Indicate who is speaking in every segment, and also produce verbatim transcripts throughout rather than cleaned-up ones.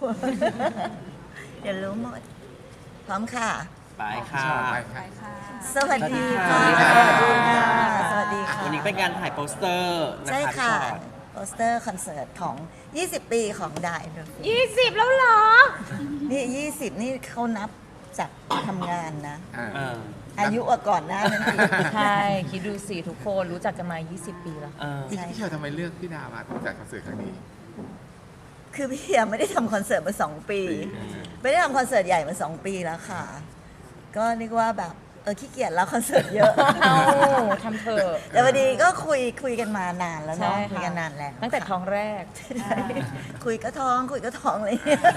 Speaker 1: เดี๋ยวรู้หมดพร้อมค่ะ
Speaker 2: ไปค่ะ
Speaker 3: ไปค่ะ
Speaker 1: สวัสดีค่ะ
Speaker 2: สวัสดีค่ะ
Speaker 1: สวัสดีค่ะ
Speaker 2: วันนี้เป็นการถ่ายโปสเตอร์นะคะ
Speaker 1: ใช่ค่ะ
Speaker 2: พี่ชอต
Speaker 1: โปสเตอร์คอนเสิร์ตของ ยี่สิบ ปีของดายน
Speaker 3: ยี่สิบแล้วเหรอ
Speaker 1: นี่ ยี่สิบ นี่เขานับจากทำงานนะ
Speaker 4: อ่า
Speaker 2: เออ
Speaker 1: อายุกว่าก่อนหน้านั้นอีก
Speaker 3: ใช่ คิดดูสิทุกคนรู้จักกันมา ยี่สิบ ปีแล้ว
Speaker 2: เออ
Speaker 4: พี่พี่ชอยทำไมเลือกพี่ดามาจัดคอนเสิร์ตครั้งนี้
Speaker 1: คือพี่ยังไม่ได้ทำคอนเสิร์ตมาสองปี ไม่ได้ทำคอนเสิร์ตใหญ่มาสองปีแล้วค่ะ ก็นึกว่าแบบเออขี้เกียจแล้วคอนเสิร์ตเยอะ
Speaker 3: เอาทำเถอะ
Speaker 1: แต่พอดีก็คุยคุยกันมานานแล้ว
Speaker 3: ใช่
Speaker 1: เนาะ
Speaker 3: ค่ะ
Speaker 1: คุยกันนานแล้ว
Speaker 3: ตั้งแต่ท้องแรก
Speaker 1: ใช่คุยก็ท้องคุยก็ท้องเลย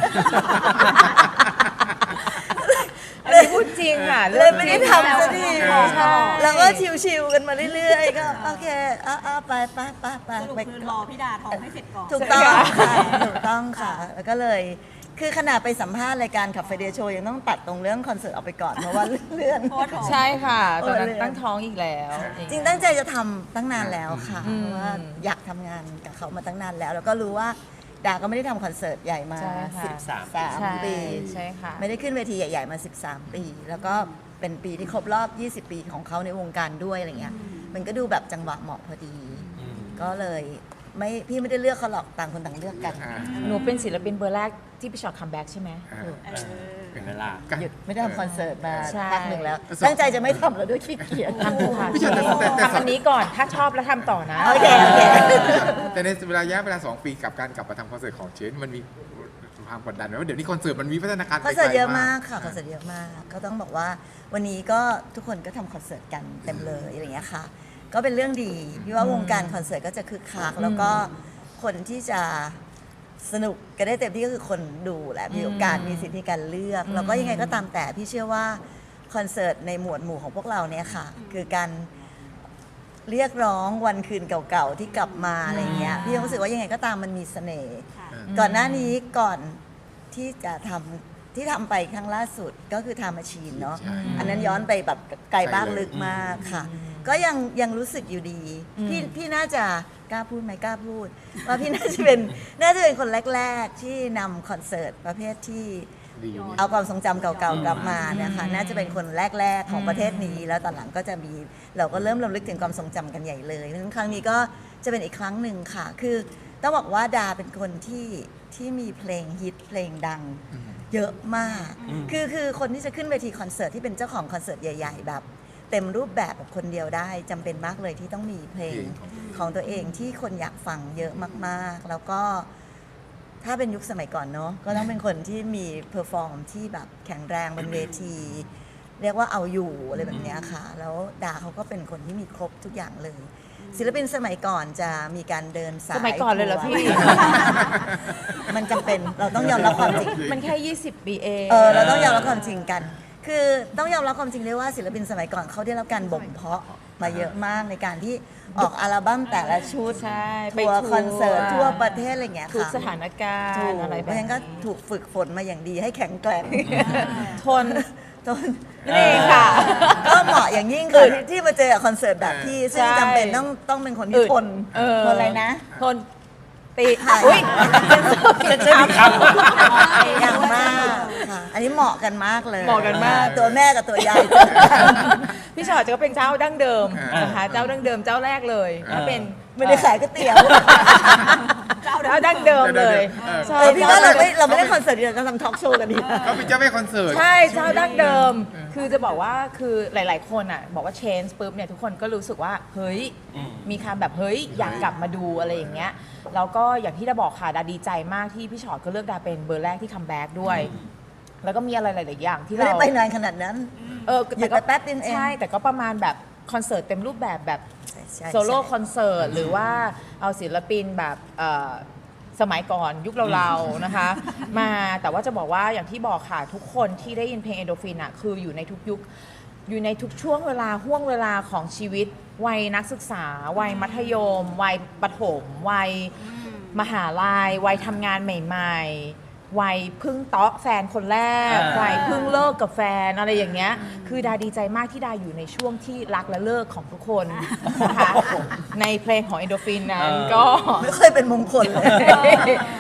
Speaker 3: อันนี้พูดจริงค่ะ
Speaker 1: เลยไม่ได้ทำสักที
Speaker 3: ใช่
Speaker 1: แล้วก็ชิวๆกันมาเรื่อยๆ ก็โอเคอ่ะอ่ะไปไปไปไป
Speaker 5: สรุป
Speaker 1: ไป
Speaker 5: คือรอพี่ดาท้องให้เสร็จก่อน
Speaker 1: ถูกต้องค่ะถูกต้องค่ะ แล้วก็เลย คือขนาดไปสัมภาษณ์รายการขับไฟเดย์โชว์ยังต้องตัดตรงเรื่องคอนเสิร์ตออกไปก่อนเพราะว่าเลื่อน
Speaker 5: เพราะว่าท้อง
Speaker 3: ใช่ค่ะ ตอนนั้น
Speaker 1: เออเลย
Speaker 3: ตั้งท้องอีกแล้ว
Speaker 1: จริงตั้งใจจะทำตั้งนานแล้วค่ะ
Speaker 3: อืม
Speaker 1: เพราะว่าอยากทำงานกับเขามาตั้งนานแล้ว แล้วก็รู้ว่าดาก็ไม่ได้ทำคอนเสิร์ตใหญ่มา
Speaker 3: ใช่ค่ะ
Speaker 1: สิบสาม
Speaker 3: ใช่
Speaker 1: ปี
Speaker 3: ใช่ค่ะ
Speaker 1: ไม่ได้ขึ้นเวทีใหญ่ๆมา สิบสาม ปี แล้วก็เป็นปีที่ครบรอบ ยี่สิบ ปีของเขาในวงการด้วยอะไรเงี้ย มันก็ดูแบบจังหวะเหมาะพอดี
Speaker 2: อืม
Speaker 1: ก็เลยไม่พี่ไม่ได้เลือกเขาหรอกต่างคนต่างเลือกกัน
Speaker 4: อ่า
Speaker 3: หนูเป็นศิลปินเบอร์แรกที่พี่ชอตคัมแบ็กใช่ไหม
Speaker 4: อ่า
Speaker 5: เออ
Speaker 2: เป็นเวลา
Speaker 1: หยุดไม่ได้ทำคอนเสิร์ตมา
Speaker 3: ใช่
Speaker 1: พักหนึ่งแล้ว ตั้งใจจะไม่ทำแล้วด้วยขี้เกียจ
Speaker 3: ทำเถอะค่ะ
Speaker 4: พี่ชอตแต่แต่แต่
Speaker 3: ทำอันนี้ก่อน ถ้าชอบแล้วทำต่อนะ
Speaker 1: โอเคโอเค
Speaker 4: แต่ในเวลาระยะเวลาสองปีกับการกลับมาทำคอนเสิร์ตของเชนมันมีความกดดันไหมว่าเดี๋ยวนี้คอนเสิร์ตมันมีพัฒนาการ
Speaker 1: คอนเสิร์ต
Speaker 4: ไปไกล
Speaker 1: เยอะมากค่ะคอนเสิร์ตเยอะมาก ก็ต้องบอกว่าวันนี้ก็ทุกคนก็ทำคอนเสิร์ตกันเต็มเลยอะไรอย่างเงี้ยค่ะ ก็เป็นเรื่องดีพี่ว่าวงการคอนเสิร์ตก็จะคึกคักแล้วก็คนที่จะสนุกกันได้เต็มที่ก็คือคนดูแหละมีโอกาสมีสิทธิในการเลือก แล้วก็ยังไงก็ตามแต่พี่เชื่อว่าคอนเสิร์ตในหมวดหมู่ของพวกเราเนี่ยค่ะ คือการเรียกร้องวันคืนเก่าๆที่กลับมาอะไรเงี้ยพี่รู้สึกว่ายังไงก็ตามมันมีเสน่ห์
Speaker 5: ค่ะ
Speaker 1: ก่อนหน้านี้ก่อนที่จะทำที่ทำไปครั้งล่าสุดก็คือทำมาชีนเนาะ
Speaker 4: ใช่
Speaker 1: อันนั้นย้อนไปแบบไกลบ้าง
Speaker 4: ไกลเลย
Speaker 1: ลึกมากค่ะ ก็ยังยังรู้สึกอยู่ดี พี่พี่น่าจะกล้าพูดไหมกล้าพูด ว่าพี่น่าจะเป็นน่าจะเป็นคนแรก ๆ ที่นำคอนเสิร์ตประเภทที่
Speaker 4: ดีอยู่นี่
Speaker 1: เอาความทรงจำเก่าๆกลับมานะคะน่าจะเป็นคนแรก ๆ ของประเทศนี้ แล้วตอนหลังก็จะมีเราก็เริ่มรำลึกถึงความทรงจำกันใหญ่เลยเพราะฉะนั้นครั้งนี้ก็จะเป็นอีกครั้งหนึ่งค่ะ คือต้องบอกว่าดาเป็นคนที่ที่มีเพลงฮิตเพลงดัง เยอะมาก
Speaker 2: อืม
Speaker 1: คือคือคนที่จะขึ้นเวทีคอนเสิร์ตที่เป็นเจ้าของคอนเสิร์ตใหญ่ ๆ แบบ เต็มรูปแบบแบบคนเดียวได้จำเป็นมากเลยที่ต้องมีเพลงของตัวเองที่คนอยากฟังเยอะมากๆ แล้วก็ถ้าเป็นยุคสมัยก่อนเนาะก็ต้องเป็นคนที่มีเพอร์ฟอร์มที่แบบแข็งแรงบนเวที เรียกว่าเอาอยู่อะไรแบบเนี้ยค่ะ แล้วดาเขาก็เป็นคนที่มีครบทุกอย่างเลย ศิลปินสมัยก่อนจะมีการเดินสาย
Speaker 3: สมัยก่อนเลยเหรอพี่
Speaker 1: มันจำเป็นเราต้องยอมรับความจริง
Speaker 3: มันแค่ ยี่สิบ ปีเอง
Speaker 1: เออเราต้องยอมรับความจริงกัน คือต้องยอมรับความจริงเลยว่าศิลปินสมัยก่อนเขาได้รับการบ่มเพาะมาเยอะมากในการที่ออกอัลบั้มแต่ละชุด
Speaker 3: ใช่ไป
Speaker 1: ทัวร์
Speaker 3: ทัวร์
Speaker 1: คอนเสิร์ตทั่วประเทศอะไรอย่างเงี้ย
Speaker 3: ทุก
Speaker 1: ค่ะ
Speaker 3: สถานการ
Speaker 1: ถู
Speaker 3: ณ์
Speaker 1: ก
Speaker 3: อะไร
Speaker 1: เพ
Speaker 3: แบบ
Speaker 1: ราะฉะนั้นก็
Speaker 3: นี้
Speaker 1: ถูกฝึกฝนมาอย่างดีให้แข็งแกร่ง
Speaker 3: ทน
Speaker 1: จน
Speaker 3: นี่ค่ะ
Speaker 1: ก็เหมาะอย่างยิ่งค่ะที่ที่มาเจอกับคอนเสิร์ตแบบพี่ ซึ่ง
Speaker 3: ใช่
Speaker 1: จำเป็นต้องต้องเป็นคนที่
Speaker 3: อึด
Speaker 1: ทน
Speaker 3: เออ
Speaker 1: ทนอะไรนะ
Speaker 3: ทนตี
Speaker 1: ค่ะ
Speaker 3: อุ้ยจะจะ
Speaker 1: อย่างมากค่ะ อันนี้เหมาะกันมากเลย
Speaker 3: เหมาะกันมาก
Speaker 1: ตัวแม่กับตัวยายเจอกัน
Speaker 3: พี่ชอตจะก็เป็นเจ้าดั้งเดิม
Speaker 4: อ่าน
Speaker 3: นะคะเจ้าดั้งเดิมเจ้าแรกเลยถ้าเป็น
Speaker 1: ไม่ได้ขายก๋วยเตี๋ยว
Speaker 3: เจ้าดั้งเดิมเลย
Speaker 4: เออ
Speaker 3: ใช่
Speaker 1: เออพี่ว่าเราไม่เราไม่ได้คอนเสิร์ตเดียวเราทำทอล์กโชว์กันดีนะ
Speaker 4: เขาเป็นเจ้าแม่คอนเสิร์ต
Speaker 3: ใช่เจ้าดั้งเดิม คือจะบอกว่าคือหลาย ๆ คนอ่ะบอกว่า change ปุ๊บเนี่ยทุกคนก็รู้สึกว่าเฮ้ย
Speaker 2: อืม
Speaker 3: มีคำแบบเฮ้ยอยากกลับมาดูอะไรอย่างเงี้ยแล้วก็อย่างที่ดาบอกค่ะดาดีใจมากที่พี่ชอตก็เลือกดาเป็นเบอร์แรกที่คัมแบ็กด้วย แล้วก็มีอะไรหลาย ๆ อย่างที่
Speaker 1: ไม่
Speaker 3: เรา
Speaker 1: ได้ไปนานขนาดนั้น
Speaker 3: เออ
Speaker 1: หยุดไปแป๊บนึงเอง
Speaker 3: ใช่แต่ก็ประมาณแบบคอนเสิร์ตเต็มรูปแบบแบบ
Speaker 1: ใช่ใช่
Speaker 3: โซโล่คอนเสิร์ตหรือว่าเอาศิลปินแบบเอ่อสมัยก่อนยุคเราๆนะคะ มาแต่ว่าจะบอกว่าอย่างที่บอกค่ะทุกคนที่ได้ยินเพลงเอโดฟินอ่ะคืออยู่ในทุกยุคอยู่ในทุกช่วงเวลาห่วงเวลาของชีวิต วัยนักศึกษา วัยมัธยม วัยประถม วัยมหาลัยวัยทำงานใหม่ๆ วัยเพึ่งเตาะแฟนคนแรก
Speaker 2: อ่า
Speaker 3: วัยเพึ่งเลิกกับแฟนอะไรอย่างเงี้ยคือดาดีใจมากที่ดาอยู่ในช่วงที่รักและเลิกของทุกคนนะคะในเพลงของเอโดฟินนั้นก็
Speaker 1: ไม่เคยเป็นมงคลเลย
Speaker 3: ก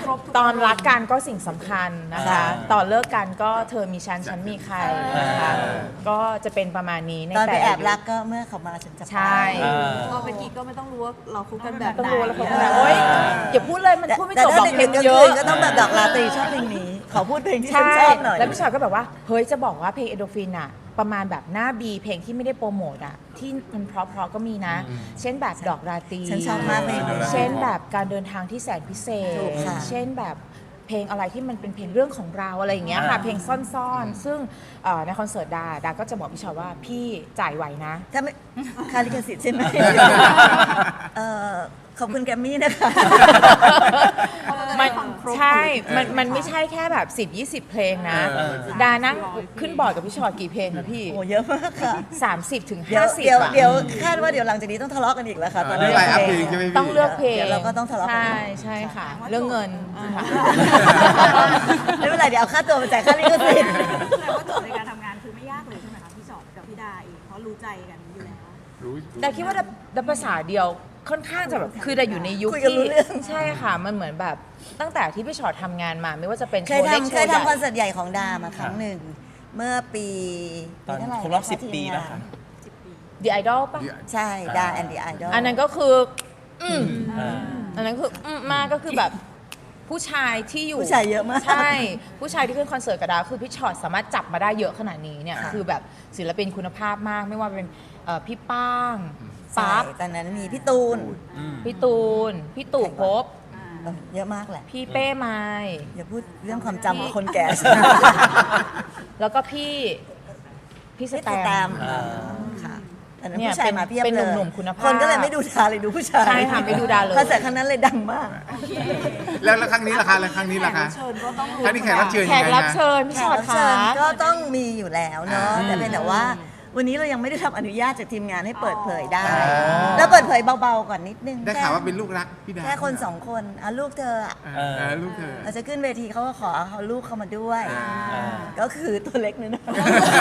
Speaker 5: ครบทุก
Speaker 3: ตอนรักกันก็สิ่งสำคัญนะคะ
Speaker 2: อ่า
Speaker 3: ตอนเลิกกันก็เธอมีฉันฉันมีใครนะคะ ก็จะเป็นประมาณนี้ใน
Speaker 1: ตอนไป
Speaker 3: แต่
Speaker 1: แอ
Speaker 3: ละ
Speaker 1: บ
Speaker 3: ยุค
Speaker 1: รักก็เมื่อเขามาฉันจะไป
Speaker 3: ใช่
Speaker 2: เออ
Speaker 5: พอเป็นกิ๊กก็ไม่ต้องรู้ว่าเราคุกกันแบบ
Speaker 3: ต้อง
Speaker 5: ไหน
Speaker 3: รู้แล้วเขาแบบโอ๊ยอย่าพูดเลยมัน
Speaker 1: แต่
Speaker 3: พูดไม่
Speaker 1: แต่
Speaker 3: จบหร
Speaker 1: ถ้า
Speaker 3: อกเพล
Speaker 1: เด็
Speaker 3: ง
Speaker 1: กๆก็
Speaker 3: เย
Speaker 1: คื
Speaker 3: อะ
Speaker 1: นก็ต้องแบบดอกลาตรีชอบเพลงนี้ ขอพูดเพลงที่ฉัน
Speaker 3: ใช่
Speaker 1: ชอบหน่อย
Speaker 3: แล้วพี่ชอยก็แบบว่าเฮ้ยจะบอกว่าเพลงเอโดฟินอะประมาณแบบหน้าบีเพลงที่ไม่ได้โปรโมทอะที่มันเพราะๆก็มีนะ เช่นแบบดอกราตรี
Speaker 1: ฉันชอบมากเพลงนี้
Speaker 3: เช่นแบบการเดินทางที่แสนพิเศษ
Speaker 1: ถูกค่ะ
Speaker 3: เช่นแบบเพลงอะไรที่มันเป็นเพลงเรื่องของเราอะไรอย่างเงี้ยค่ะ
Speaker 2: อ่า
Speaker 3: เพลงซ่อนๆ ซึ่งเอ่อในคอนเสิร์ตดาดาก็จะบอกพี่ชอยว่าพี่จ่ายไหวนะ
Speaker 1: ถ้าไม่ค่าลิขสิทธิ์ใช่ไหมเอ่อขอบคุณแกรมมี่นะคะ
Speaker 3: มันใช่ มันมันไม่ใช่แค่แบบสิบ ยี่สิบเพลงนะ
Speaker 2: เออ
Speaker 3: ดานั่งขึ้นบอร์ดกับพี่ชอตกี่เพลงนะพี่
Speaker 1: โอ้เยอะมากค่ะ
Speaker 3: สามสิบถึง
Speaker 1: เดี๋ยว
Speaker 3: ห้าสิบ
Speaker 1: เดี๋ยว
Speaker 3: อะ
Speaker 1: เดี๋ยวคาดว่าเดี๋ยวหลังจากนี้ต้องทะเลาะกันอีกแล้วค่ะตอน
Speaker 4: เรื่
Speaker 1: นี้
Speaker 4: องไลน์อัพเพลงใช่ไหมพี่
Speaker 3: ต้องเลือกเพลง
Speaker 1: เดี๋ยวเราก็ต้องทะเลาะกัน
Speaker 3: ใช่ใช่ค่ะ เรื่องเงินค่ะ
Speaker 1: ไม่เป็นไรเดี๋ยวเอาค่าตัวมาจ่ายค่าลิขสิทธิ์
Speaker 5: แต่ว่าโจทย์ในการทำงานคือไม่ยากเลยใช่ไหมคะพี่ชอตกับพี่ดาเองเพราะรู้ใจกันอยู่แล้ว
Speaker 4: รู้
Speaker 3: แต่คิดว่าดับภาษาเดียวค่อนข้างจะแบบคือแต่อยู่ในยุค
Speaker 1: คุยกัน
Speaker 3: ที่
Speaker 1: รู้เรื่อง
Speaker 3: ใช่ค่ะ มันเหมือนแบบตั้งแต่ที่พี่ชอตทำงานมา ไม่ว่าจะเป็นโช
Speaker 1: เคย
Speaker 3: ว์เล็ก
Speaker 1: ทำ
Speaker 3: โช
Speaker 1: เคย
Speaker 3: ว์ใหญ่
Speaker 1: ทำคอนเสิร์ตใหญ่ของดามาครั้งหนึ่ง เมื่อปี
Speaker 2: ตอน
Speaker 1: ปีเท่าไห
Speaker 2: ครบรอบ
Speaker 1: นะะ
Speaker 2: สิบ
Speaker 1: ทีม
Speaker 2: ปี
Speaker 1: งา
Speaker 2: นะ
Speaker 1: น
Speaker 2: คะ
Speaker 3: The Idol ป่ะ
Speaker 1: ใช่ดาแอนดี้ไอดอล
Speaker 3: อันนั้นก็คือ อืม
Speaker 2: อ่า
Speaker 3: อันนั้นคืออืมมากก็คือแบบผู้ชายที่อยู่
Speaker 1: ผู้ชายเยอะมาก
Speaker 3: ใช่ ผู้ชายที่ขึ้นคอนเสิร์ตกับดาวคือพี่ชอตสามารถจับมาได้เยอะขนาดนี้เนี่ย
Speaker 1: ค่ะ
Speaker 3: คือแบบศิลปินคุณภาพมากไม่ว่าเป็นเอ่อพี่ป้าง
Speaker 1: ใช่
Speaker 3: ปั๊บ
Speaker 1: ตอนนั้นมีพี่ตูน
Speaker 3: พี่ตูน พี่ตู่ภพ
Speaker 1: เออเยอะมากแหละ
Speaker 3: พี่เป้ไม้
Speaker 1: อย่าพูดเรื่องความจำของคนแก่
Speaker 3: แล้วก็พี่พี่ส
Speaker 1: พี่
Speaker 3: แต
Speaker 1: ตูนตาม
Speaker 3: ม
Speaker 2: อ่า
Speaker 1: ค่ะตอนนั้น
Speaker 3: เนี่ย
Speaker 1: ผู้ชายมาเพียบ
Speaker 3: เป็น
Speaker 1: เลย
Speaker 3: หนุ่มๆคุณภาพ
Speaker 1: คนก็เลยไม่ดูดาเลยดูผู้ชาย
Speaker 3: ใช่ค่ะไม่ดูดาเลย
Speaker 1: คอนเสิร์ตครั้งนั้นเลยดังมาก
Speaker 4: แล้วแล้วครั้งนี้ล่ะคะแล้วครั้งนี้ล่ะคะ
Speaker 5: เชิญก็ต้อง
Speaker 4: ครั้งนี้แขกรับเชิญ
Speaker 3: แข
Speaker 4: ยัง
Speaker 3: ก
Speaker 4: ไง
Speaker 3: รับ
Speaker 4: นะ
Speaker 3: เชิญพี่
Speaker 1: แข
Speaker 3: ช
Speaker 1: ก
Speaker 3: อต
Speaker 1: รับ
Speaker 3: ขา
Speaker 1: เชิญก็ต้องมีอยู่แล้วเนาะ
Speaker 4: อ่า
Speaker 1: แต่เป็นแต่ว่า วันนี้เรายังไม่ได้รับอนุญาตจากทีมงานให้เปิดเผยได้
Speaker 4: อ๋อ
Speaker 1: แล้วเปิดเผยเบาๆก่อนนิดนึง
Speaker 4: ได้ข่าวว่าเป็นลูกรักพี่ดา
Speaker 1: แค่คนสองคนอ่ะลูกเธออ่ะ
Speaker 4: เออเออลูกเธอ
Speaker 1: เราจะขึ้นเวทีเขาก็ขอเอาลูกเข้ามาด้วย
Speaker 2: อ่า
Speaker 1: ก็คือตัวเล็กนึงนะ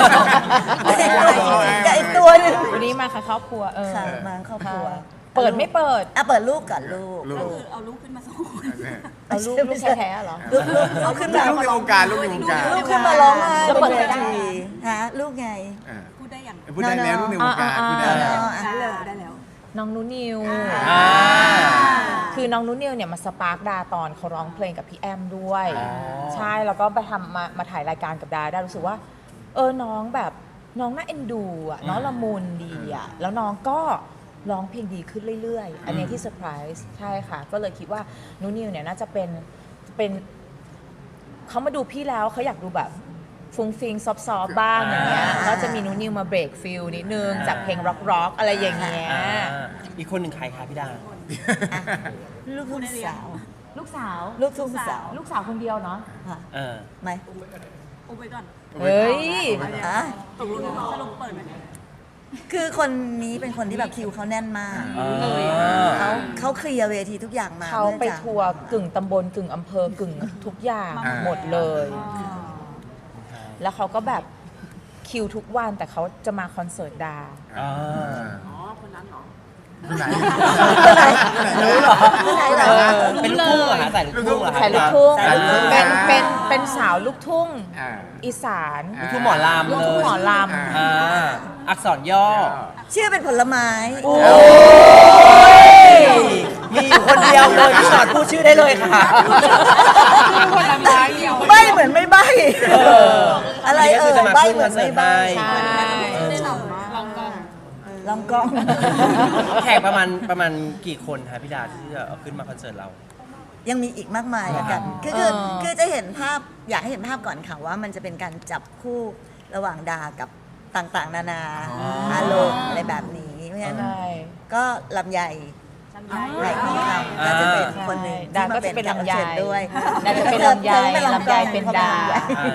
Speaker 1: กับอีกตัวหนึง
Speaker 3: วันนี้มาค่ะครอบครัวเออ
Speaker 1: ค่ะมาครอบครัว
Speaker 3: เปิดไม่เปิด
Speaker 1: อ่ะเปิดลูกก่อนลูก
Speaker 4: ลูก
Speaker 5: ก็คือเอาลูกขึ้นมาสองคน
Speaker 3: เอาลูกลูกแท้ๆเหรอ
Speaker 1: ลูกลูกเอาขึ้นมา
Speaker 4: ลูกในวงการลูกในวงการ
Speaker 1: ลูกขึ้นมาร้องไห้
Speaker 3: จะ
Speaker 1: บ
Speaker 3: เปิ
Speaker 1: น
Speaker 3: ด
Speaker 1: เว
Speaker 3: ไม่ได้
Speaker 1: ทีฮะลูกไง
Speaker 4: อ่า
Speaker 5: พูดได้อย่าง
Speaker 4: พูดได้แล้วลูกในวงการ
Speaker 3: อ่า
Speaker 4: พูดได้
Speaker 3: อ่า
Speaker 4: แล้ว
Speaker 5: ได้แล้วได้แล้ว
Speaker 3: น้องนุนิว
Speaker 2: อ่า
Speaker 3: คือน้องนุนิวเนี่ยมาสปาร์กดาตอนเขาร้องเพลงกับพี่แอมด้วย
Speaker 2: อ๋อ
Speaker 3: ใช่แล้วก็ไปทำมามาถ่ายรายการกับดาได้รู้สึกว่า เออน้องแบบน้องน่าเอ็นดูอ่ะน้องละมุนดีอ่ะแล้วน้องก็ร้องเพลงดีขึ้นเรื่อยๆ อันเนี้ยที่เซอร์ไพรส์ใช่ค่ะ ก็เลยคิดว่านุนิวเนี่ยน่าจะเป็นเป็นเขามาดูพี่แล้วเขาอยากดูแบบฟุ้งฟิงซอฟต์ๆบ้างอย่างเงี้ยก็จะมีนุนิวมาเบรกฟิลนิดนึงจากเพลงร็อกๆอะไรอย่างเงี้ย
Speaker 2: อ่าอีกคนหนึ่งใครคะพี่ดา
Speaker 1: ลูกทุ่งสาว
Speaker 3: ลูกสาว
Speaker 1: ลูกทุ่งสาว
Speaker 3: ลูกสาวคนเดียวเนาะ
Speaker 1: ค่ะ
Speaker 2: เออ
Speaker 1: ไหม
Speaker 5: อุบไว้ก่อน
Speaker 3: เฮ้ย
Speaker 1: อ่ะ
Speaker 5: ตกลงสรุปเปิดไหม
Speaker 1: คือคนนี้เป็นคนที่แบบคิวเขาแน่นมาก
Speaker 2: อ่า
Speaker 1: เขาเขาเคลียร์เวทีทุกอย่างมา
Speaker 3: เขาไป
Speaker 1: พื่อจะ
Speaker 3: ทัวร์กึ่งตำบลกึ่งอำเภอกึ่งทุกอย่าง
Speaker 4: อ่า
Speaker 3: หมดเลย แล้วเขาก็แบบคิวทุกวันแต่เขาจะมาคอนเสิร์ตดา
Speaker 2: อ่า
Speaker 5: อ๋อ คนนั้นเหรอ
Speaker 4: คนไหน
Speaker 1: คนไหนรู้เหรอคนไหนเหรอ
Speaker 2: เป็นลูกทุ่งเหรอคะใส่ลูกทุ่งเหรอคะ
Speaker 3: ใส่ลูกทุ่ง
Speaker 4: ใส่ลูกทุ่ง
Speaker 3: เป็นเป็นเป็นสาวลูกทุ่ง
Speaker 4: อ่า
Speaker 3: อีสาน
Speaker 2: ลูกทุ่งหมอลำ
Speaker 3: ลูกทุ่งหมอล
Speaker 4: อ่า
Speaker 2: อ่าอักษรย่อ
Speaker 1: ชื่อเป็นผลไม้
Speaker 2: มีอยู่คนเดียวเลยพี่ชอตพูดชื่อได้เลยค่ะ
Speaker 1: ใบเหมือนไม่ใบอะไรเออใบเหมือนไม่ใบ
Speaker 3: ำใช่
Speaker 5: ได้หล่อมากลองกอง
Speaker 1: ลองกล้อง
Speaker 2: แขกประมาณประมาณกี่คนคะพี่ดาที่จะเอาขึ้นมาคอนเสิร์ตเรา
Speaker 1: ยังมีอีกมากมายละกัน คือคือคือจะเห็นภาพอยากให้เห็นภาพก่อนค่ะว่ามันจะเป็นการจับคู่ระหว่างดากับต่างๆ นานาอารมณ์อะไรแบบนี้เพราะฉะนั้น
Speaker 3: ใช่
Speaker 1: ก็ลำไยไหลทองคำก็จะเป็นคนหนึ่ง
Speaker 3: ดา
Speaker 1: ที่มา
Speaker 3: ก็จะเป็นลำไย
Speaker 1: แขกรับเชิญด้วย
Speaker 3: ดาจะเป็นลำไย
Speaker 1: ธอธอ
Speaker 3: ลำไยเป็นดา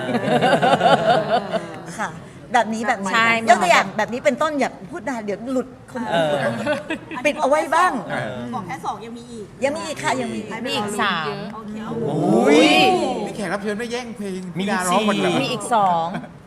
Speaker 1: ค่ะ แบบนี้แบบนี้
Speaker 3: ใช่
Speaker 1: ยกตัวอย่างแบบนี้เป็นต้นอย่าพูดนานเดี๋ยวหลุดคนอื่น
Speaker 2: เออ
Speaker 1: ปิดเอาไว้บ้าง
Speaker 4: เออ
Speaker 5: บอกแค่สองยังมีอีก
Speaker 1: ยังมีอีกค่ะยังมีอีก
Speaker 3: มีอีกสาม
Speaker 5: โอเค
Speaker 2: อุ้ย
Speaker 4: นี่แขกรับเชิญไม่แย่งเพลง
Speaker 2: มี
Speaker 4: พี่ดาร้องหมดเลย
Speaker 3: มีอีกสอง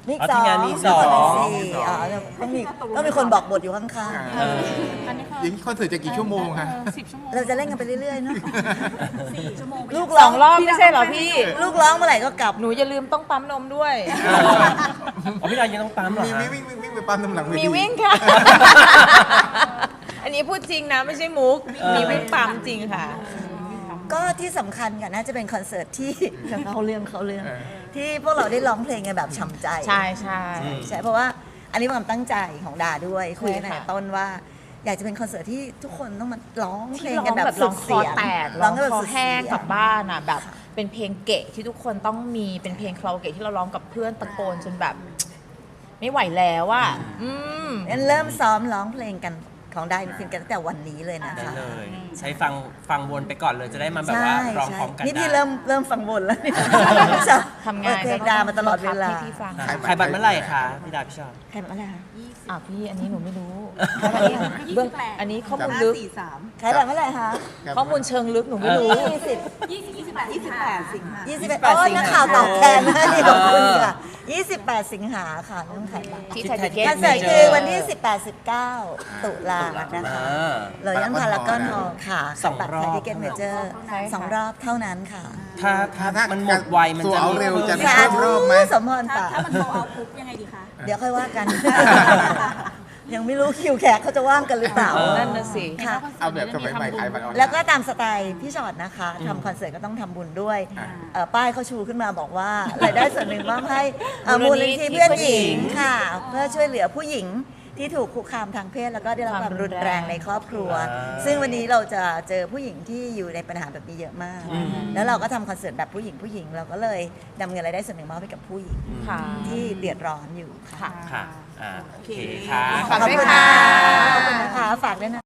Speaker 1: มี
Speaker 2: อ๋อ
Speaker 1: ส
Speaker 2: ที
Speaker 1: อง
Speaker 2: มงานมีสอง
Speaker 1: สี่อ๋อต้องมีต้องมีคนบอกบทอยู่ข้าง
Speaker 4: เอออย่างนี้คอนเสิร์ตจะกี่ชั่วโมงคะ
Speaker 3: สิบชั่วโมง
Speaker 1: ๆ เราจะเล่นกันไปเรื่อยๆเนาะ
Speaker 5: สี่ชั่วโมงไป
Speaker 1: ลูก
Speaker 3: ส
Speaker 1: ร้
Speaker 3: อ
Speaker 1: อง
Speaker 3: งรอบไม่ใช่เหรอพี่
Speaker 1: ลูกร้องเมื่อไหร่ก็กลับ
Speaker 3: หนูอย่าลืมต้องปั๊มนมด้วย
Speaker 2: อ๋อพี่ดายังต้องปั๊มเหรอ
Speaker 4: มี
Speaker 2: ฮะ
Speaker 4: วิ่งวิ่งวิ่งวิ่งไปปั๊มน้ำหลังเวที
Speaker 3: มีวิ่งค่ะ อันนี้พูดจริงนะไม่ใช่มุก มีวิ่งปั๊มจริงค่ะ
Speaker 1: ก็ที่สำคัญกันน่าจะเป็นคอนเสิร์ตที่ เขาเรื่องเขาเรื่อง
Speaker 4: เออ
Speaker 1: ที่พวกเราได้ร้องเพลงกันแบบฉ่ำใจ
Speaker 3: ใช่ใช่
Speaker 1: ใช่เพราะว่าอันนี้เป็นความตั้งใจของดาด้วยคุยกัน
Speaker 3: ใช่
Speaker 1: ตั้ง
Speaker 3: ค่ะ
Speaker 1: แต่ต้นว่า อยากจะเป็นคอนเสิร์ตที่ทุกคนต้องมาร้องเพล
Speaker 3: ที่
Speaker 1: ง
Speaker 3: ร้อ
Speaker 1: กัน
Speaker 3: ง
Speaker 1: แบบ
Speaker 3: แบบ
Speaker 1: สุ
Speaker 3: ร้อ
Speaker 1: ด
Speaker 3: งค
Speaker 1: เสี
Speaker 3: อย
Speaker 1: ง
Speaker 3: แตก
Speaker 1: ร้
Speaker 3: ร้
Speaker 1: อ
Speaker 3: อง ง
Speaker 1: กันแบบ
Speaker 3: คอ
Speaker 1: สุด
Speaker 3: แห้ง
Speaker 1: เสีย
Speaker 3: กลับบ้านอ่ะแบบเป็นเพลงเกะที่ทุกคนต้องมีเป็นเพลงคาราโอเกะที่เราร้องกับเพื่อนตะโกนจนแบบ ไม่ไหวแล้วอ่ะอืม
Speaker 1: งั้นเริ่มซ้อมร้องเพลงกันของได้ฟินกันตั้งแต่วันนี้เลยนะ
Speaker 2: ได้
Speaker 1: คะ
Speaker 2: เลย ใช้ฟังฟังวนไปก่อนเลยจะได้มาแบบว่าร้องพร้อมกัน
Speaker 1: นี่
Speaker 2: ได้
Speaker 1: พี่เริ่มเริ่มฟังบนแล้วเนี่ย
Speaker 3: ทำงาน
Speaker 1: เปิดเพลงดามาตลอดเวลา
Speaker 3: ให้พี่ฟัง
Speaker 2: ขายบัตรเมื่อไหร่คะพี่ดาพี่ชอบ
Speaker 1: ใครบอกอะไรคะ
Speaker 3: อ่ะพี่อันนี้หนูไม่รู้อันนี้เบื้องอันนี้ข้อมูลลึก
Speaker 5: สี่สาม
Speaker 1: ใครบอกเมื่อไหร่คะ
Speaker 3: ข้อมูลเชิงลึกหนูไม่รู้
Speaker 1: ยี่สิบ
Speaker 5: ยี่สิบยี่สิบแปดยี่สิบแปดสิงหา
Speaker 1: ยี่สิบเอ็ด
Speaker 3: ยี่สิบแปด
Speaker 1: โอ้
Speaker 3: สิงหา
Speaker 1: นักข่าวตอบแทนนะนี่ขอบคุณค่ะยี่สิบแปดสิงหาค่ะเริ่มขายบัตร
Speaker 3: ที่ไทยทิเก็ต
Speaker 1: คอนเสิร์ตคือวันที่สิบแปด สิบเก้าตุลานะคะ
Speaker 2: อ่า
Speaker 1: เลยยันพารากอนฮอลล์ค่ะ
Speaker 2: สอง
Speaker 1: บัตร
Speaker 2: รอบ
Speaker 1: ไทยทิเก็ตเมเจอร์
Speaker 3: ใช่ค่ะ
Speaker 1: สองรอบเท่านั้นค่ะ
Speaker 2: ถ้าถ้า
Speaker 4: ถ้า
Speaker 2: มันหมดไวมัน
Speaker 4: ตัว
Speaker 2: จะ
Speaker 4: เอา
Speaker 2: มี
Speaker 4: เร็วจะ
Speaker 2: พิ่ม
Speaker 4: มี
Speaker 1: สา
Speaker 4: เพิ่ม
Speaker 1: ธุ
Speaker 4: รอบไหม
Speaker 1: สมพร
Speaker 5: ถ้า
Speaker 1: ปาก
Speaker 5: ถ้ามันโตเอาปุ๊บยังไงดีคะ
Speaker 1: เดี๋ยวค่อยว่ากัน ยังไม่รู้คิวแขกเขาจะว่างกันหรือเปล่า
Speaker 3: นั่นน่ะสิ
Speaker 1: ค่ะ
Speaker 4: เอาแบบสมัยใหม่ขายบัตรออนไลน์
Speaker 1: แล้วก็ตามสไตล์พี่ชอตนะคะทำคอนเสิร์ตก็ต้องทำบุญด้วย
Speaker 4: อ่า
Speaker 1: เอ่อป้ายเขาชูขึ้นมาบอกว่ารายได้ส่วนหนึ่งมอบให้เอ่อ
Speaker 3: มู
Speaker 1: มูล
Speaker 3: ลนิ
Speaker 1: นิ
Speaker 3: ธิ
Speaker 1: ธิเพื่อนหญิง
Speaker 3: เพื่อนหญิง
Speaker 1: ค่ะ เพื่อช่วยเหลือผู้หญิงที่ถูกคุกคามทางเพศแล้วก็ได้รับความรุนแรงในครอบครัว
Speaker 2: อ่า
Speaker 1: ซึ่งวันนี้เราจะเจอผู้หญิงที่อยู่ในปัญหาแบบนี้เยอะมาก
Speaker 2: อืม
Speaker 1: แล้วเราก็ทำคอนเสิร์ตแบบผู้หญิงผู้หญิงเราก็เลยนำเงินรายได้ส่วนหนึ่งมอบให้กับผู้หญิง
Speaker 3: ค่ะ
Speaker 1: ที่เดือดร้อนอยู่ค่ะ
Speaker 3: ค่ะ
Speaker 2: ค่ะอ่าโอเคค่ะ
Speaker 3: ฝาก
Speaker 1: ขอบ
Speaker 3: ด้วย
Speaker 1: คุณ
Speaker 3: ค่ะ
Speaker 1: ค่ะขอบคุณนะคะฝากด้วยนะ